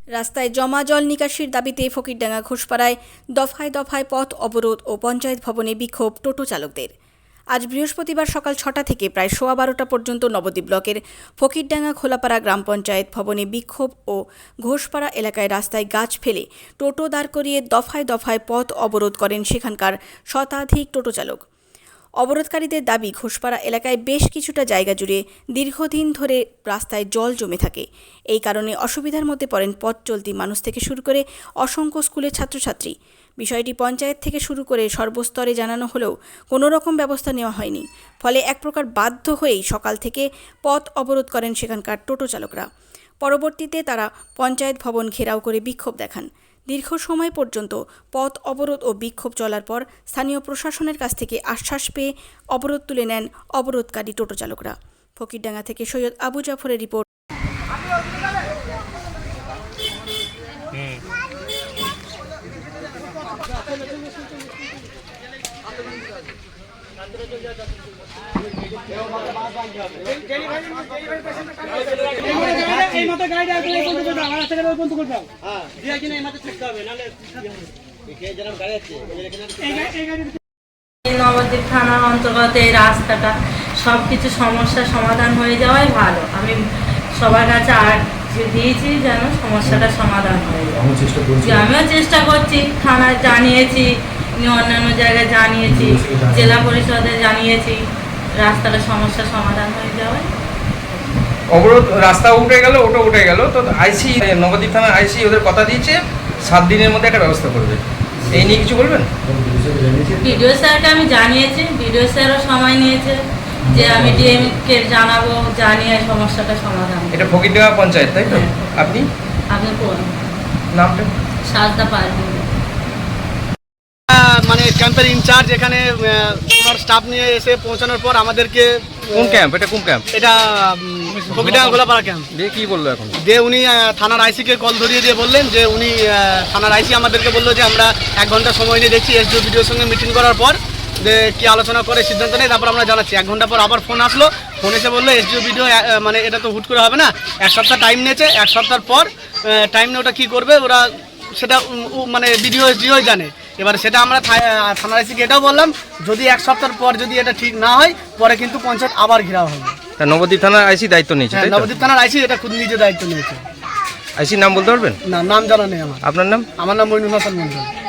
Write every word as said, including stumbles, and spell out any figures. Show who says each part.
Speaker 1: রাস্তায় জমা জল নিকাশির দাবিতে ফকিরডাঙ্গা ঘোষপাড়ায় দফায় দফায় পথ অবরোধ ও পঞ্চায়েত ভবনে বিক্ষোভ টোটো চালকদের। আজ বৃহস্পতিবার সকাল ছটা থেকে প্রায় সোয়া বারোটা পর্যন্ত নবদ্বীপ ব্লকের ফকিরডাঙ্গা খোলাপাড়া গ্রাম পঞ্চায়েত ভবনে বিক্ষোভ ও ঘোষপাড়া এলাকায় রাস্তায় গাছ ফেলে টোটো দাঁড় করিয়ে দফায় দফায় পথ অবরোধ করেন সেখানকার শতাধিক টোটো চালক। অবরোধকারীদের দাবি, ঘোষপাড়া এলাকায় বেশ কিছুটা জায়গা জুড়ে দীর্ঘদিন ধরে রাস্তায় জল জমে থাকে। এই কারণে অসুবিধার মধ্যে পড়েন পথ চলতি মানুষ থেকে শুরু করে অসংখ্য স্কুলের ছাত্রছাত্রী। বিষয়টি পঞ্চায়েত থেকে শুরু করে সর্বস্তরে জানানো হলেও কোনো রকম ব্যবস্থা নেওয়া হয়নি। ফলে এক প্রকার বাধ্য হয়েই সকাল থেকে পথ অবরোধ করেন সেখানকার টোটো চালকরা। পরবর্তীতে তারা পঞ্চায়েত ভবন ঘেরাও করে বিক্ষোভ দেখান। দীর্ঘ সময় পর্যন্ত পথ অবরোধ ও বিক্ষোভ চলার পর স্থানীয় প্রশাসনের কাছ থেকে আশ্বাস পেয়ে অবরোধ তুলে নেন অবরোধকারী টোটো চালকরা। ফকিরডাঙ্গা থেকে সৈয়দ আবু জাফরের রিপোর্ট।
Speaker 2: নবদ্বীপ থানার অন্তর্গত এই রাস্তাটা সব কিছু সমস্যার সমাধান হয়ে যাওয়াই ভালো। আমি সবার কাছে আর দিয়েছি যেন সমস্যাটা সমাধান হয়ে যায়। আমিও চেষ্টা করছি, থানায় জানিয়েছি, অন্যান্য জায়গায় জানিয়েছি, জেলা পরিষদে জানিয়েছি, রাস্তাটা সমস্যার সমাধান হয়ে যাওয়ায়।
Speaker 3: অবরোধ রাস্তা উঠে গেল, ওটা উঠে গেল, তো আইসি নবদ্বীপ থানার আইসি ওদের কথা দিয়েছে সাত দিনের মধ্যে একটা ব্যবস্থা করবে। এই নিয়ে কিছু বলবেন?
Speaker 2: বিডিও স্যারকে আমি জানিয়েছি, বিডিও স্যারও সময় নিয়েছে যে আমি ডিএমকে জানাবো, জানিয়ে সমস্যাটা সমাধান।
Speaker 3: এটা ফকিরডাঙ্গা পঞ্চায়েত, তাই তো? আপনি
Speaker 2: আপনি কোন
Speaker 3: নামটা?
Speaker 2: সাজদা পারবেন
Speaker 4: মানে ক্যাম্পের ইনচার্জ এখানে ওনার স্টাফ নিয়ে এসে পৌঁছানোর পর আমাদেরকে।
Speaker 3: কোন ক্যাম্প এটা? কোন ক্যাম্প
Speaker 4: এটা? ফকিরডাঙ্গা খোলাপাড়া ক্যাম্প।
Speaker 3: দিয়ে কি বললো এখন?
Speaker 4: দিয়ে উনি থানার আইসিকে কল ধরিয়ে দিয়ে বললেন যে উনি থানার আইসি আমাদেরকে বললো যে আমরা এক ঘন্টা সময় নিয়ে দেখছি, এসডিও বিডিওর সঙ্গে মিটিং করার পর যে কি আলোচনা করে সিদ্ধান্ত নেই, তারপর আমরা জানাচ্ছি। এক ঘন্টা পর আবার ফোন আসলো, ফোন এসে বললো এসডিও বিডিও মানে এটা তো হুট করে হবে না, এক সপ্তাহ টাইম নিয়েছে, এক সপ্তাহ পর টাইম নিয়ে ওটা কী করবে ওরা সেটা মানে বিডিও এসডিও জানে। এবার সেটা আমরা থানার আইসিকে এটাও বললাম, যদি এক সপ্তাহ পর যদি এটা ঠিক না হয় পরে কিন্তু পঞ্চায়েত আবার ঘেরাও হবে।
Speaker 3: নবদ্বীপ থানার আইসি দায়িত্ব নিয়েছে?
Speaker 4: হ্যাঁ, নবদ্বীপ থানার আইসি এটা খুব নিজে দায়িত্ব নিয়েছে।
Speaker 3: আইসির নাম বলতে পারবেন?
Speaker 4: না, নাম জানা নেই আমার।
Speaker 3: আপনার নাম?
Speaker 4: আমার নাম মইনুল হাসান মন্ডল।